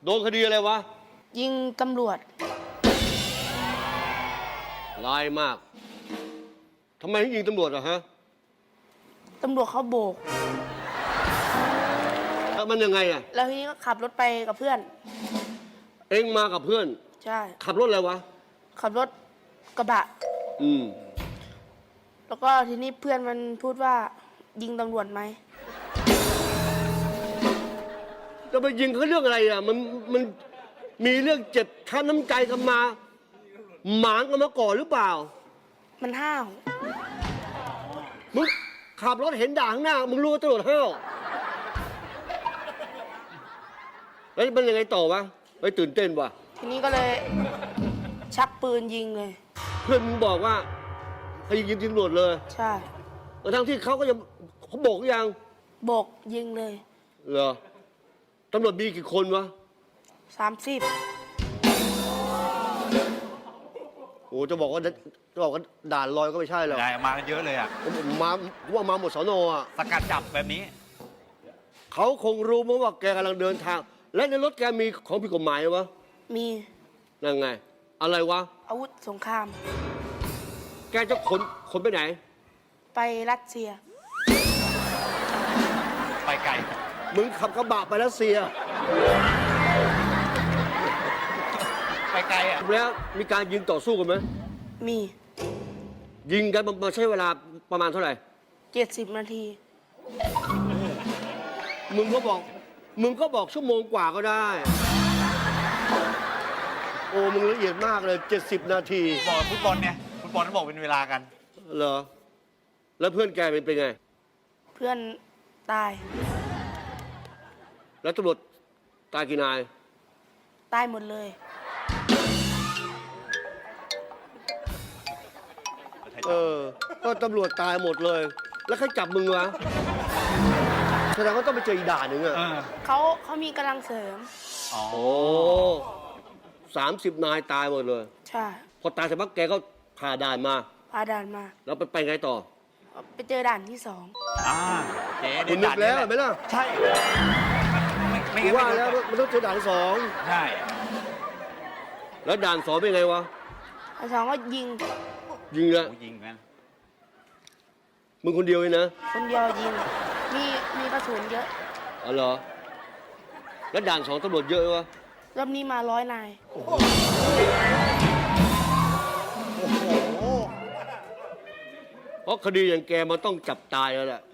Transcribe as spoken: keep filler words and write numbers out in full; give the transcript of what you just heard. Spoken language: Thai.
โดนคดีอะไรวะยิงตำรวจร้ายมากทำไมถึงยิงตำรวจอะฮะตำรวจเขาโบกแล้วมันยังไงอะแล้วทีนี้ก็ขับรถไปกับเพื่อนเอ็งมากับเพื่อนใช่ขับรถอะไรวะขับรถกระบะอืมแล้วก็ทีนี้เพื่อนมันพูดว่ายิงตำรวจไหมจะไปยิงเขาเรื่องอะไรอ่ะ มัน มันมีเรื่องเจ็บช้ำน้ำใจกันมา หมางกันมาก่อนหรือเปล่ามันห้าวมึงขับรถเห็นด่าข้างหน้า มึงรู้ว่าตำรวจห้าวแล้วมันยังไงต่อวะไปตื่นเต้นวะทีนี้ก็เลยชักปืนยิงเลยเพื่อนมึงบอกว่าให้ยิงตำรวจเลยใช่ทั้งที่เขาก็ยังเขาบอกหรือยังโบกยิงเลยเหรอตำรวจมีกี่คนวะสามสิบโอ้จะบอกว่าจะบอกว่าด่านลอยก็ไม่ใช่หรอกได้มากันเยอะเลยอ่ะผมมาผมว่ามาหมดสนอ่ะสกัดจับแบบนี้เขาคงรู้มั้งว่าแกกำลังเดินทาง และในรถแกมีของผิดกฎหมายวะมีนั่นไง อะไรวะอาวุธสงครามแกจะขนขนไปไหนไปรัสเซียไปไกลมึงขับกระบะไปรัสเซียไปไกลอ่ะแล้วมีการยิงต่อสู้กันไหมมียิงกันมาใช้เวลาประมาณเท่าไหร่เจ็ดสิบนาทีมึงก็บอก มึงก็บอกชั่วโมงกว่าก็ได้ โอ้ มึงละเอียดมากเลยเจ็ดสิบนาทีบอกฟุตบอลเนี่ยฟุตบอลต้องบอกเป็นเวลากันเหรอ แล้วเพื่อนแกเป็นเป็นไงเพื่อนตายแล้วตำรวจตายกี่นายตายหมดเลยเออ ก็ตำรวจตายหมดเลย แล้วใครจับมึงวะ แสดงว่าต้องไปเจออีกด่านหนึ่งอะเออเขาเขามีกำลังเสริมอ๋อโอ้สามสิบนายตายหมดเลยใช่พอตายเสร็จปั๊บแกก็ผ่าด่านมาพาด่านมาแล้วไปไปไงต่อไปเจอด่านที่สองอ่าเจ๊คุณนึกแล้วเห็นไหมล่ะใช่ ไม่ไม่กูงั้นว่าไม่แล้วรู้มันต้องเจอด่านที่สองใช่แล้วด่านสองเป็นไงวะอันสองก็ยิงยิงเลยโอ้ยิงกันมึงคนเดียวเลยนะคนเดียวยิง มีมีกระสุนเยอะอ๋อเหรอ แล้วด่านสองตำรวจเยอะวะรอบนี้มาร้อยนายเพราะคดีอย่างแกมันต้องจับตายแล้วแหละ